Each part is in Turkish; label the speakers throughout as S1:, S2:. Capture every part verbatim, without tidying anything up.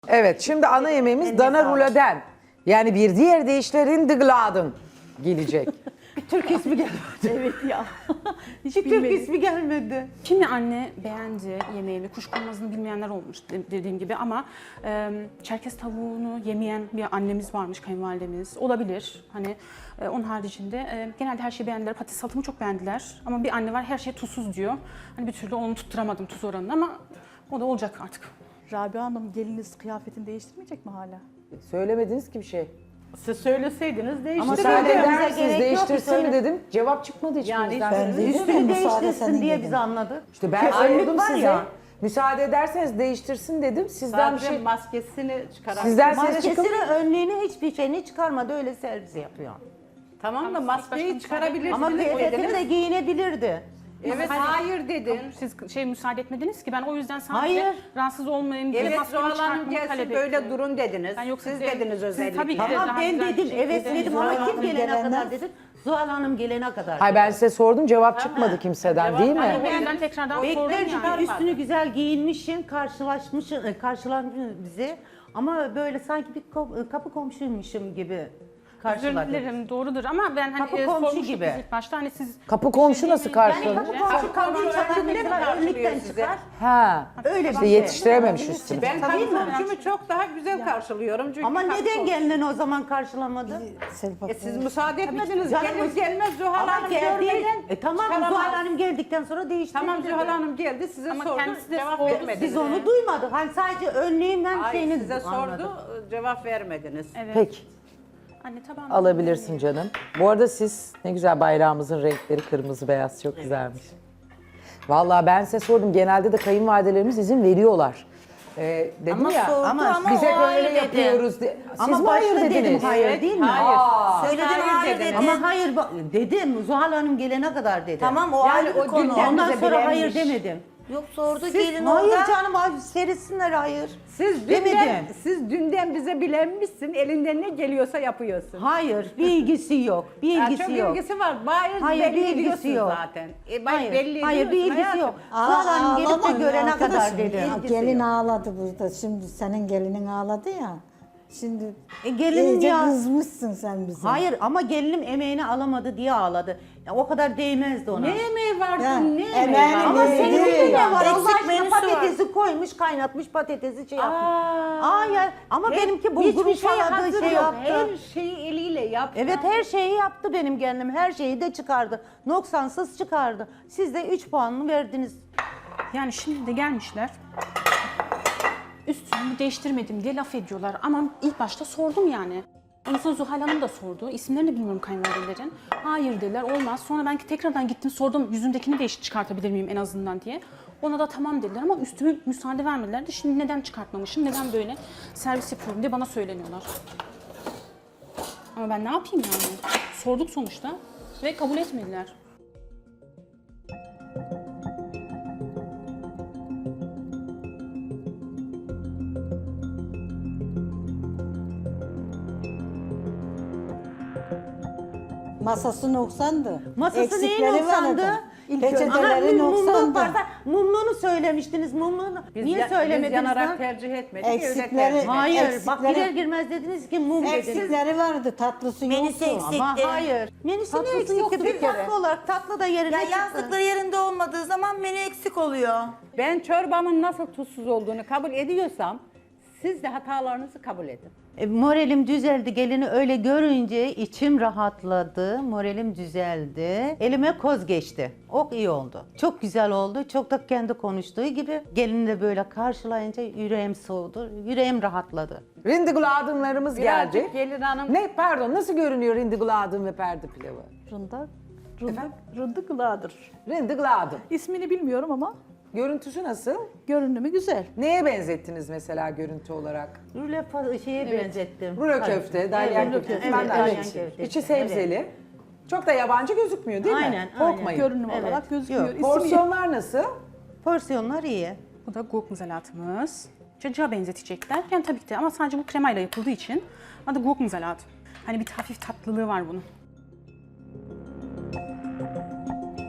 S1: Evet, şimdi ana yemeğimiz
S2: Eline
S1: dana
S2: sağlık.
S1: ruladen. Yani bir diğer deyişlerin dıgladın gelecek.
S2: Türk ismi gelmedi.
S3: Evet ya. Hiç
S2: Bir Türk
S3: bilmedim.
S2: ismi gelmedi.
S3: Kimi anne beğendi yemeğimi, kuşkonmazını bilmeyenler olmuş de- dediğim gibi ama e, Çerkez tavuğunu yemeyen bir annemiz varmış, kayınvalidemiz. Olabilir. Hani e, onun haricinde e, genelde her şeyi beğendiler. Patates salatamı çok beğendiler. Ama bir anne var her şey tuzsuz diyor. Hani bir türlü onu tutturamadım tuz oranını ama o da olacak artık.
S4: Rabia Hanım geliniz kıyafetini değiştirmeyecek mi hala?
S1: Söylemediniz ki bir şey.
S2: Siz söyleseydiniz
S1: Ama
S2: değiştirirdim.
S1: müsaade eder
S2: Bize
S1: misiniz
S2: gerek yok,
S1: değiştirsin mi
S2: söyle.
S1: dedim. Cevap çıkmadı içimizden.
S2: Yani
S5: dedim ya,
S2: üstünü
S5: müsaade
S2: değiştirsin
S5: senin
S2: diye
S5: dedim.
S2: biz anladık.
S1: İşte ben
S2: Ki önlük
S1: sordum
S2: var
S1: size.
S2: ya.
S1: Müsaade ederseniz değiştirsin dedim. Sizden bir
S6: Sadece
S1: şey...
S6: maskesini çıkaran.
S1: Sizden ses çıkın.
S2: Maskesini, önlüğünü hiçbir şeyini çıkarmadı. Öyle servis yapıyor.
S6: Tamam da
S3: Ama
S6: maskeyi
S3: başka
S6: çıkarabilirsiniz.
S2: Ama kıyafetini
S6: dediniz.
S2: de giyinebilirdi.
S6: Evet
S3: Hani-
S6: hayır dedin.
S3: Siz şey müsaade etmediniz ki ben o yüzden sadece
S2: Hayır.
S3: rahatsız olmayayım diye
S6: Evet
S3: maskemi
S6: Zuhal Hanım
S3: çıkartmamı
S6: gelsin
S3: talep
S6: böyle
S3: ettim.
S6: durun dediniz.
S3: Ben yoksa
S6: Siz
S3: size-
S6: dediniz
S3: siz
S6: özellikle.
S3: tabii ki de-
S2: Tamam
S3: daha
S2: ben
S3: güzel bir
S2: dedim
S3: şekilde
S2: evet dedim
S5: Zuhal
S2: ama kim
S5: Hanım
S2: gelene
S5: gelenler-
S2: kadar dedim. Zuhal Hanım gelene kadar.
S1: Hayır ben size sordum cevap çıkmadı kimseden
S6: Cevap-
S1: değil mi?
S3: Ben o yüzden tekrardan sordum
S2: Beklerken
S3: yani.
S2: üstünü güzel giyinmişsin, karşılaşmışsın, e, karşılanmışsın bizi. Ama böyle sanki bir ko- kapı komşuymuşum gibi
S3: Özür
S2: karşıladın.
S3: dilerim doğrudur ama ben hani
S2: Kapı
S3: e,
S2: komşu
S3: sormuştuk
S2: gibi.
S3: biz ilk başta hani siz
S1: Kapı komşu nasıl karşıladı?
S2: Kapı komşu kapıyı
S6: komşu
S2: çalar
S6: önünde mi
S2: mesela
S6: karşılıyor
S2: önlükten
S6: sizi?
S2: çıkar.
S1: Ha.
S2: Öyle bir
S1: İşte
S2: şey.
S1: yetiştirememiş üstünü.
S6: Ben
S2: Tabii mi?
S6: komşumu çok daha güzel karşılıyorum. Çünkü
S2: Ama
S6: kapı
S2: neden
S6: komşu.
S2: gelinen o zaman karşılamadı?
S5: Selpak
S6: E siz müsaade etmediniz.
S2: Canım,
S6: Gelir gelmez Zuhal
S2: Ama
S6: Hanım
S2: geldi.
S6: görmeden
S2: E tamam
S6: çıkaramaz.
S2: Zuhal Hanım geldikten sonra değişti.
S6: Tamam Zuhal Hanım geldi size
S3: Ama
S6: sordu.
S3: kendisi de
S6: Cevap
S3: sordu.
S6: vermediniz.
S2: Biz onu duymadık. Hani sadece önlüğünden
S6: Hayır
S2: şeyini
S6: size
S2: anladık.
S6: sordu cevap vermediniz.
S3: evet.
S1: Peki
S3: Anne tabağını
S1: alabilirsin canım. Bu arada siz ne güzel bayrağımızın renkleri kırmızı beyaz çok güzelmiş. Vallahi ben size sordum genelde de kayınvalidelerimiz izin veriyorlar. Ee, dedim
S5: Ama
S1: ya
S5: sordu
S2: ama
S5: ama,
S1: biz hep
S5: o hayır
S1: öyle
S5: dedi.
S1: yapıyoruz. diye. Siz
S2: Ama
S1: mi hayır
S2: başta dedim
S1: dediniz?
S2: hayır değil mi?
S6: Hayır.
S1: Aa,
S5: Söyledin
S6: Hayır
S5: hayır
S6: dediniz.
S5: dedin.
S2: Ama hayır bak- dedim Zuhal Hanım gelene kadar dedim.
S5: Tamam o
S6: Yani
S5: ayrı bir
S6: o
S5: konu.
S6: dünden
S2: Ondan
S6: bize
S2: sonra hayır
S6: bilenmiş.
S2: demedim.
S5: Yok sordu
S2: Siz,
S5: gelin
S2: hayır
S5: orada.
S2: canım abi serisinler hayır.
S6: Siz dünden,
S2: Demedim.
S6: siz dünden bize bilenmişsin. Elinden ne geliyorsa yapıyorsun.
S2: Hayır bir ilgisi yok. Bir
S6: Ya
S2: ilgisi
S6: çok
S2: yok.
S6: ilgisi var. Bariz
S2: Hayır,
S6: belli
S2: bir ilgisi
S6: ediyorsun
S2: yok.
S6: zaten. E, ben
S2: Hayır,
S6: belli
S2: hayır bir
S6: ediyorsun
S2: ilgisi yok.
S6: hayatım.
S2: Zuhal Hanım gelip de
S5: ağlamayın
S2: görene kadar
S5: arkadaşım.
S2: dedi.
S5: Aa, Gelin ağladı burada. Şimdi senin gelinin ağladı ya. Şimdi
S2: E, gelinim
S5: iyice
S2: ya.
S5: kızmışsın sen bize.
S2: Hayır ama gelinim emeğini alamadı diye ağladı. Ya, o kadar değmezdi ona.
S6: Ne emeği vardı,
S5: Ya,
S6: ne emeği
S5: emeğini
S6: vardı?
S2: Ama
S5: Değil
S2: senin
S5: ya.
S2: elinde ne var? Allah
S5: Eksik
S2: aşkına
S5: menüsü var.
S2: patatesi koymuş, kaynatmış patatesi şey yapmış.
S6: Aa,
S2: Aa ya ama benimki bulgur
S6: hiçbir şey
S2: ufaladı,
S6: hazır
S2: şey
S6: yok.
S2: yaptı.
S6: Her şeyi eliyle yaptı.
S2: Evet her şeyi yaptı benim gelinim. Her şeyi de çıkardı. Noksansız çıkardı. Siz de üç puanını verdiniz.
S3: Yani şimdi de gelmişler. Üstümü değiştirmedim diye laf ediyorlar ama ilk başta sordum yani. Ondan sonra Zuhal Hanım da sordu. İsimlerini bilmiyorum kayınvalidelerin. Hayır dediler olmaz. Sonra ben tekrardan gittim sordum yüzündekini de çıkartabilir miyim en azından diye. Ona da tamam dediler ama üstümü müsaade vermediler de şimdi neden çıkartmamışım, neden böyle servis yapıyorum diye bana söyleniyorlar. Ama ben ne yapayım yani? Sorduk sonuçta ve kabul etmediler.
S5: Masası noksandı.
S2: Masası neyin
S5: Eksikleri
S2: noksandı?
S5: vardı.
S2: Aha,
S5: Peçeteleri
S2: mum- mumluk
S5: noksandı.
S2: varsa mumluğunu söylemiştiniz. Mumluğunu
S6: Biz
S2: niye
S6: ya-
S2: söylemediniz
S6: Biz yanarak
S2: lan?
S6: tercih etmedik. öyle
S5: Eksikleri-
S6: tercih ettik.
S2: Hayır, bak
S5: eksikleri-
S2: girer girmez dediniz ki mum dediniz.
S5: Eksikleri vardı, tatlısı
S7: Menüsü
S5: yoktu.
S7: eksik.
S2: Ama
S7: Eksikti.
S2: hayır. Menüsü ne
S5: Tatlısı
S2: eksikti?
S5: yoktu bir
S2: Bir
S5: kere.
S2: tatlı olarak tatlı da yerine
S7: Ya
S2: çıktı.
S7: yazdıkları yerinde olmadığı zaman menü eksik oluyor.
S6: Ben çorbamın nasıl tuzsuz olduğunu kabul ediyorsam siz de hatalarınızı kabul edin.
S2: E, moralim düzeldi. Gelini öyle görünce içim rahatladı. Moralim düzeldi. Elime koz geçti. Ok iyi oldu. Çok güzel oldu. Çok da kendi konuştuğu gibi. Gelini de böyle karşılayınca yüreğim soğudu. Yüreğim rahatladı.
S1: Rindigladımlarımız geldi.
S6: Birazcık gelin hanım
S1: Ne pardon nasıl görünüyor rindigladım ve perde pilavı?
S4: Rında, rında, rındıkladır.
S1: Rindigladım.
S4: İsmini bilmiyorum ama
S1: Görüntüsü nasıl?
S4: görünümü güzel.
S1: Neye benzettiniz mesela görüntü olarak?
S2: Rüle fa- şeye benzettim.
S1: Rulo
S2: Hayır.
S1: köfte, dalyan
S2: rulo
S1: köftesi.
S2: köfte,
S1: Ben de
S2: dalyan
S1: aynı
S2: köftesi.
S1: şey. İçi sebzeli. Çok da yabancı gözükmüyor değil
S2: Aynen,
S1: mi?
S2: aynen.
S1: Korkmayın.
S4: Görünüm
S2: Evet.
S4: olarak gözüküyor.
S2: Yok,
S4: İsmi
S1: Porsiyonlar nasıl?
S2: Porsiyonlar iyi.
S3: Bu da gurk muzalatımız. Cacığa benzetecekler. Yani tabii ki de ama sadece bu kremayla yapıldığı için adı gurk muzalat. Hani bir hafif tatlılığı var bunun.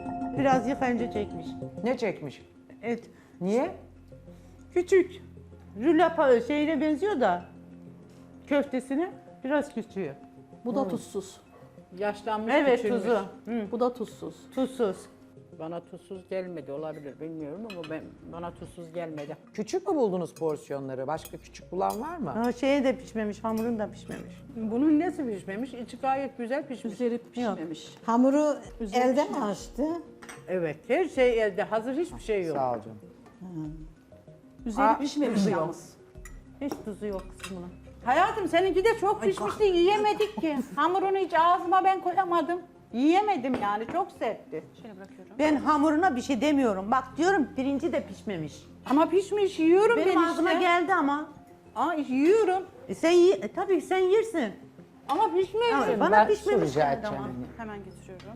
S2: Biraz yıkanca çekmiş.
S1: Ne çekmiş?
S2: Evet.
S1: Niye?
S2: Küçük. Rülapa şeyine benziyor da köftesine biraz küçüğü.
S4: Bu da tuzsuz.
S6: Yaşlanmış
S2: Evet
S6: küçülmüş.
S2: tuzu.
S4: Bu da tuzsuz.
S2: Tuzsuz.
S6: Bana tuzsuz gelmedi olabilir bilmiyorum ama ben bana tuzsuz gelmedi.
S1: Küçük mü buldunuz porsiyonları? Başka küçük bulan var mı?
S2: Ha, şeye de pişmemiş, hamurun da pişmemiş.
S6: Bunun nesi pişmemiş? İçi gayet güzel pişmiş.
S4: Üzeri pişmemiş.
S5: Hamuru
S4: Üzeri
S5: elde mi
S4: pişmemiş.
S5: açtı?
S6: Evet her şey elde hazır hiçbir şey yok.
S1: Sağ ol canım.
S4: Üzeri
S1: Aa,
S4: pişmemiş yalnız.
S2: Hiç tuzu yok kısmına.
S6: Hayatım seninki de çok pişmişti yiyemedik ki. Hamurunu hiç ağzıma ben koyamadım. Yiyemedim yani çok sertti.
S3: Şöyle bırakıyorum.
S2: Ben hamuruna bir şey demiyorum. Bak diyorum pirinci de pişmemiş.
S6: Ama pişmiş yiyorum
S2: Benim
S6: ben
S2: ağzıma
S6: işte.
S2: geldi ama.
S6: Aa yiyorum
S2: E sen ye, e, tabii sen yersin.
S6: ama pişmiyor.
S2: Ama bana
S1: Ben
S2: pişmemiş
S1: su rica
S2: geldi
S1: edeceğim.
S2: ama.
S3: Hemen getiriyorum.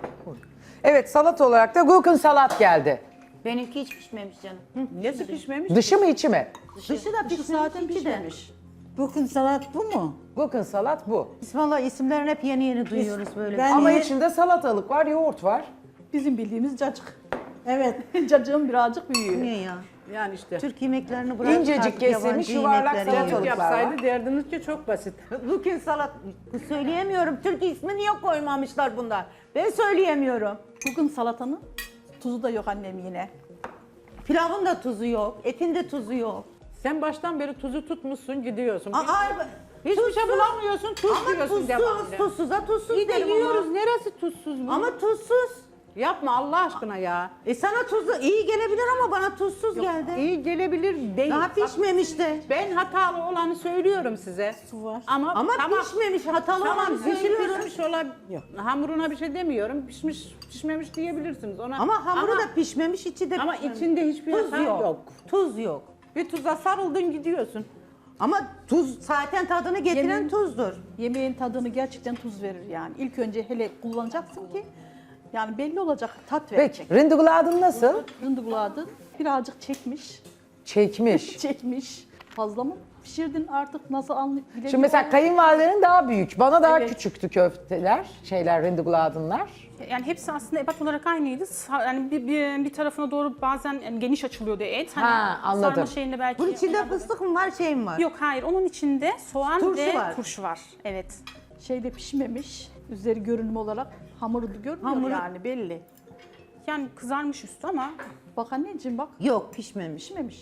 S1: Evet, salat olarak da gurken salat geldi.
S7: Benimki hiç pişmemiş canım.
S6: Nesi pişmemiş?
S1: Dışı mı içi mi?
S2: Dışı da
S4: Dışı
S2: pişmemiş,
S4: zaten
S2: içi de.
S4: pişmemiş.
S5: Bugün salat bu mu?
S1: Gurken salat bu.
S2: Biz valla isimlerini hep yeni yeni duyuyoruz böyle.
S5: Ben-
S1: Ama
S5: ye-
S1: içinde salatalık var, yoğurt var.
S4: Bizim bildiğimiz cacık.
S5: Evet.
S4: Cacığın birazcık büyüğü.
S2: Niye ya?
S6: Yani işte.
S2: Türk yemeklerini bırak.
S1: İncecik
S2: artık
S1: kesilmiş,
S2: yabancı
S1: yuvarlak
S2: yemekleri
S1: salatalık.
S2: yiyoruz.
S6: Yapsaydı derdiniz ki çok basit.
S2: Lukin salat. Söyleyemiyorum. Türk ismi niye koymamışlar bunlar? Ben söyleyemiyorum.
S4: Bugün salatanın tuzu da yok annem yine.
S2: Pilavın da tuzu yok. Etin de tuzu yok.
S6: Sen baştan beri tuzu tutmuşsun gidiyorsun.
S2: Aa, ay,
S6: Hiçbir şey bulamıyorsun tuz
S2: ama
S6: diyorsun
S2: tuzsuz,
S6: devamlı.
S2: tuzsuza tuzsuz
S6: İyi de
S2: derim
S6: yiyoruz.
S2: ama.
S6: Neresi tuzsuz bu?
S2: Ama tuzsuz.
S6: Yapma Allah aşkına ya.
S2: E sana tuzlu iyi gelebilir ama bana tuzsuz geldi.
S6: İyi gelebilir değil.
S2: Daha
S6: Bak,
S2: pişmemişti.
S6: ben hatalı olanı söylüyorum size.
S4: Su var.
S6: Ama,
S2: Ama
S6: tamam,
S2: pişmemiş, hatalı
S6: tamam
S2: olanı
S6: dışı
S2: söylüyorum.
S6: pişmiş olabilir. Hamuruna bir şey demiyorum. Pişmiş, pişmemiş diyebilirsiniz ona.
S2: Ama hamuru
S6: ama,
S2: da pişmemiş, içi de
S6: ama
S2: pişmemiş.
S6: içinde hiçbir
S2: Tuz
S6: hata
S2: yok.
S6: yok.
S2: Tuz yok.
S6: Bir tuza sarıldın gidiyorsun.
S2: Ama tuz zaten tadını getiren
S4: Yemin-
S2: tuzdur.
S4: Yemeğin tadını gerçekten tuz verir yani. İlk önce hele kullanacaksın ki yani belli olacak, tat verecek.
S1: Peki, rindigladın nasıl?
S4: Rındıguladı birazcık çekmiş,
S1: Çekmiş.
S4: çekmiş. Fazla mı pişirdin artık nasıl anlayabiliyorum.
S1: Şimdi mesela kayınvalidenin daha büyük, bana daha
S4: Evet.
S1: küçüktü köfteler, şeyler, rindigladınlar.
S3: Yani hepsi aslında ebat olarak aynıydı. Sa- Yani bir, bir, bir tarafına doğru bazen yani geniş açılıyordu et. Hani
S1: Ha, anladım.
S3: Sarma şeyinde belki.
S2: Bunun içinde fıstık mı var, şey mi var?
S3: Yok hayır, onun içinde soğan
S2: Turşu
S3: ve
S2: var.
S3: turşu var. Evet.
S4: şeyde pişmemiş. Üzeri görünüm olarak hamuru da görünüyor
S2: Hamuru-
S4: yani belli.
S3: Yani kızarmış üstü ama
S4: Bak anneciğim bak
S2: Yok, pişmemiş.
S4: pişmemiş.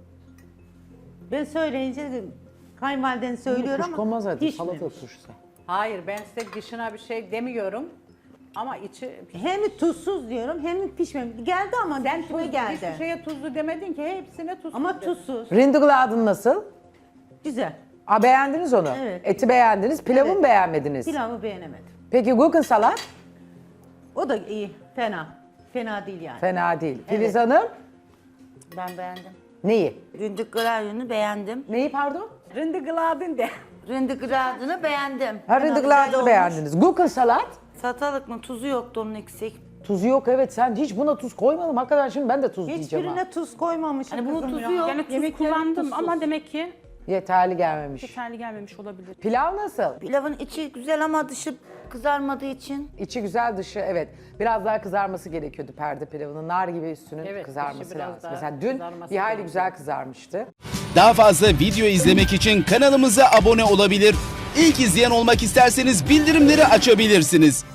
S2: Ben söyleyince de kayınvaliden söylüyor
S1: Kuş
S2: ama
S1: konmaz hadi,
S2: pişmemiş.
S1: salata turşusu.
S6: Hayır ben size dışına bir şey demiyorum. Ama içi...
S2: Hem tuzsuz diyorum hem pişmemiş. Geldi ama
S6: Sen
S2: kime
S6: tuz,
S2: geldi.
S6: hiçbir şeye tuzlu demedin ki hepsine tuzlu.
S2: Ama
S6: dedin.
S2: tuzsuz.
S1: Rindigladın nasıl?
S2: Güzel.
S1: Aa, beğendiniz onu.
S2: Evet.
S1: Eti beğendiniz, pilavı
S2: Evet.
S1: mı beğenmediniz?
S2: Pilavı beğenemedim.
S1: Peki gurken salat?
S2: O da iyi. Fena. Fena değil yani.
S1: Fena değil. Filiz Hanım,
S7: Ben beğendim.
S1: neyi?
S7: Ründigradını beğendim.
S1: Neyi pardon?
S6: Rindigladın de.
S7: Ründigradını beğendim.
S1: Ha,
S7: Fena
S1: rindigladını
S7: güzel
S1: beğendiniz. Gurken salat?
S7: olmuş. Salatalık mı? Tuzu yoktu onun eksik.
S1: Tuzu yok, evet, sen hiç buna tuz koymadın. Hakikaten şimdi ben de tuz diyeceğim ha.
S2: Hiçbirine tuz koymamışım
S7: Hani bunun
S2: kızım
S7: tuzu
S2: ya.
S7: yok.
S3: yani tuz
S4: Yemeklerin
S3: kullandım
S4: tuzsuz.
S3: ama demek ki
S1: Yeterli gelmemiş.
S3: yeterli gelmemiş olabilir.
S1: Pilav nasıl?
S7: Pilavın içi güzel ama dışı kızarmadığı için.
S1: İçi güzel, dışı evet. Biraz daha kızarması gerekiyordu perde pilavının. Nar gibi üstünün
S6: Evet,
S1: kızarması
S6: dışı biraz
S1: lazım.
S6: daha
S1: Mesela dün
S6: kızarması
S1: bir hayli
S6: gerekiyor.
S1: güzel kızarmıştı.
S8: Daha fazla video izlemek için kanalımıza abone olabilir. İlk izleyen olmak isterseniz bildirimleri açabilirsiniz.